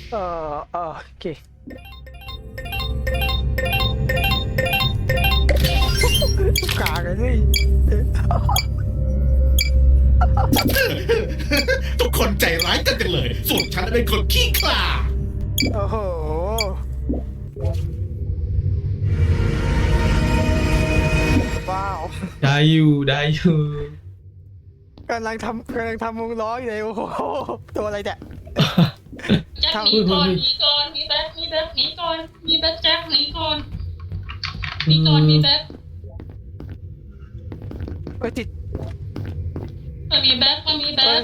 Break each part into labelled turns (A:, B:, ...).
A: โอเคกากันสิ
B: ทุกคนใจร้ายกันจังเลย ส่วนฉันเป็นคนขี้ขลาด
A: โอ้โหว้าว
C: ได้อยู่ได้อยู่
A: กำลังทำวงล้ออยู่เลยโอ้โหตัวอะไรเนี่ย
D: แจ็คหนีก่อนหนีก่อนมีแบ็คหนีก่อนมีแบ็คแจ็คหนีก่อนมีแบ็ค
A: เอ้ยติด
D: มันมีแบ็คมันมีแบ็ค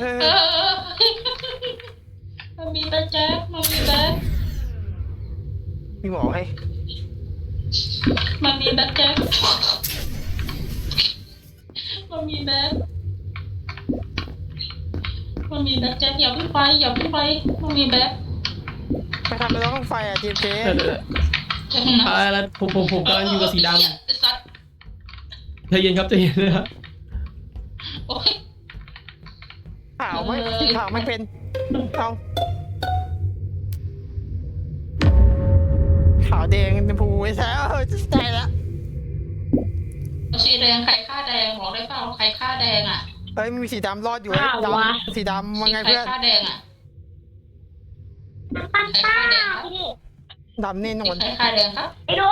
D: มันมีแบ็คแจ็คมันมีแบ็ค
A: มีหมอให้
D: มันมีแบ็คแจ็คมันมีแบ็คมันมีแบ็คแจ็คอย่าเพิ่งไปมันมีแบ็ค
A: ไปทำอะไรต้องไฟอ่ะทีมเจ
C: แล้วผมกำลังอยู่กับสีดำ
D: สัตว์
C: ใจเย็นครับใจเย็นนะครับ
D: โอ้ย
A: ขาวไม่สีขาวไม่เป็นเอาขาวแดงชมพูไอ้แซ่ใจละ
D: สีแดงใครฆ่าแดงบอกได้เปล่าใครฆ่าแดงอ่ะ
A: เอ้ยมีสีดำรอดอยู่
E: อ้าว
A: ด
E: วะ
A: ำสีดำว่าไง
D: ใคร
A: เพื่อน
D: ฆ่าแดงอ่ะ
E: ปันป้าพี่
A: ดำแน่นอน
D: ใครฆ่าแดงครับ
E: ไอ้ดู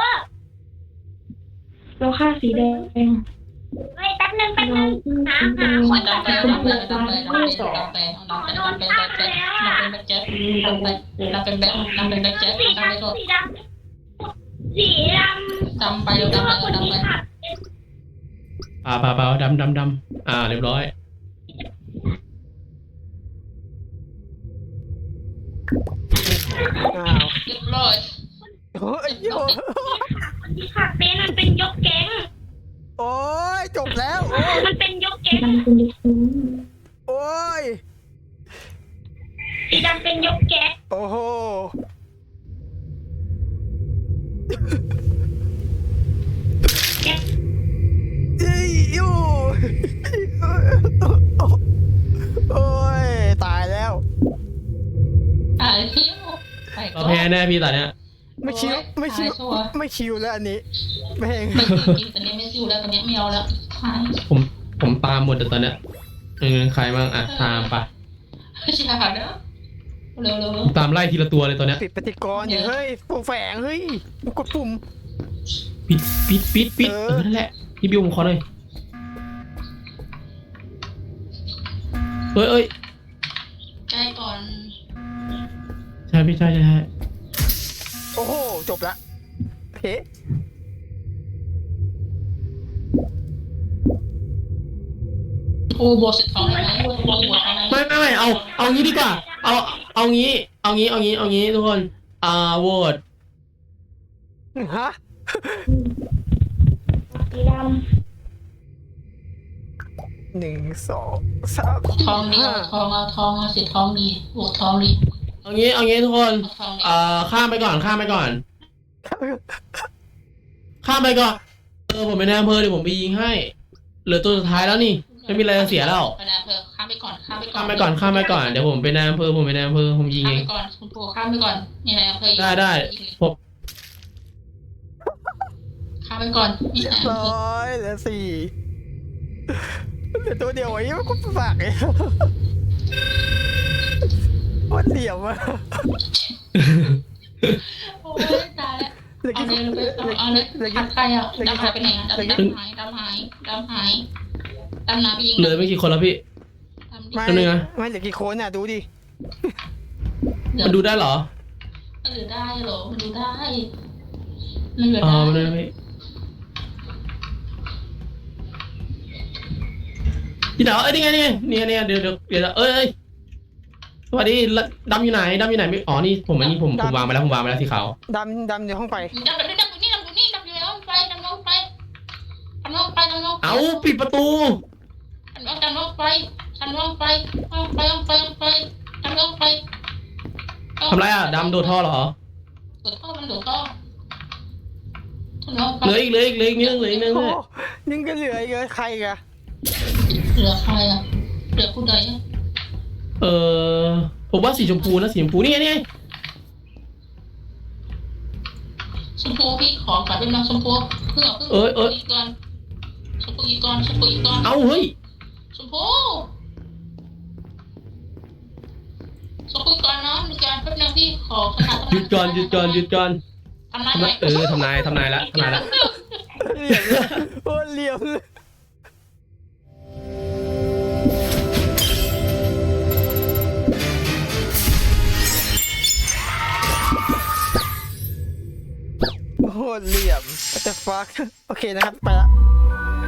E: เราค่าสีแดงเฮ้ยแป๊บนึงหาคน
D: ดำไปดำไปดำไปดำไปดำไปดำไปดำไปแจ็คดำเป็นแบ็คแจ็คดำไปดำเป็นแบ็คดำเป็นแบ็คแจ็ค
E: สี
D: ดำไป
E: ดำ
D: โทษ
E: สีดำสีดำ
D: ดำไปดำไปดำไป
C: เปล่าดำเรียบร้อย
A: อ้าว
D: เรียบร้อย
A: โอ้ยโอ้ย
E: คนที่ขับเป็นมันเป็นยกแก๊ง
A: โอ้ยจบแล้วโอ้ย
E: มันเป็นยกแก๊ง
A: โอ้ย
E: สีดำเป็นยกแก๊ง
A: โอ้โห
E: แก๊ง
A: อียูโอ้ยตายแล้ว
D: ตายทิ้ว
C: เราแพ้แน่พี่ตอนเนี้ย
A: ไม่คิวไม่คิวแล้วอันนี้แม่ง
D: ไม่กินตอนนี้ไม่ซิวแล้วตอนนี้ไม่เอาแล้วหาย
C: ผมตามหมดแต่ตอนเนี้ยใครบ้างอ่ะตามไป
D: อย่าเด้อเร็วเร็ว
C: ตามไล่ทีละตัวเลยตอนเนี้ย
A: ปิดปฏิกรณ์อยู่เฮ้ยตัวแฝงเฮ้ยกดปุ่ม
C: ปิดนั่นแหละพี่บิวผมขอหน่อยเอ้ย
D: ใกล้ก่อน
C: ใช่พี่ใช่
A: โอ้โหจบละเฮ้
D: กูบวก12ได้ไหมกูบวกได้ไหม
C: ไม่เอางี้ดีกว่าเอางี้ทุกคนโหวต
A: ฮะ
E: สีด
A: 1 2 3
D: ทองดีเอาทองสิทองดีบวกทองดี
C: เอางี้ทุกคน
D: ทองดี
C: ข้ามไปก่อนข้ามไปก่อนผมเป็นนายอำเภอเดี๋ยวผมไปยิงให้เหลือตัวสุดท้ายแล้วนี่ไม่มีอะไรจะเสียแล้ว
D: ไปนะเธอข้ามไปก่อน
C: ข้ามไปก่อนเดี๋ยวผมเป็นนายอำเภอผมยิง
D: ข้าม
C: เอ
D: ไป
C: ง
D: ก่อนคุณปู่ข้ามไปก่อนนี่นายอำเภอ
C: ได้ผม
D: ข้ามไปก่อนนี่นายอำเภอ
A: เหลือ4เหลือตัวเดียวไอ้ยังก็ฝากไอ้วันเดียวอะ
D: โอ้ยตายแล้วเอาเลยขัดใครอ่ะดำหายไปไหนอ่ะดำหายดำน้ำไปยิง
C: เหลือไม่กี่คนแล้วพี่
A: ไม่
C: ตัวนึงนะ
A: ไม่เหลือกี่คนอ่ะดูดิ
C: มันดูได้เหรอ
D: มันดูได้เหรอมันดูได้มันเหลือ
C: มัน
D: ได้
C: ดูได้พี่เดานี่ไงเนี่ยเดี๋ยวเอ้ยสวัสดีดำอยู่ไหนไม่อ๋อนี่ผมวางไปแล้วสีขาว
A: ดำในห้องไฟ
D: ดำอยู่แล้วไปดำลงไป
C: เอาปิดประตู
D: ดำลงไปดำลงไป
C: ทำไรอ่ะดำโดดท่อเหรอ
D: โดดท่อมันโดดท่อ
C: เหลืออีกนิดนึง
A: โอ้นึงก็เหลืออีกใครกะ
D: เหลือใครอ่ะเหลือผู้ใด
C: ผมว่าสีชมพูนะสีชมพูนี่ไง
D: ชมพูพี่ขอก่อนเป็นน้องชมพูเพื่ออีกก่อนชมพูอีกก่อนชมพูอีกก่อน
C: เอาเฮ้ย
D: ชมพูชมพูอีกก่อนเนาะมีการแป๊บนึงพี่ขอขนาด
C: หยุดก่อนหยุดก่อนหยุดก่อน
D: ทำนายหน่อย
C: ทำนายละทำนายละ
A: เหลี่ยมเลยโอ้เหลี่ยมเลยโอ้เหลี่ยม what the fuck โอเคนะครับ ไปละ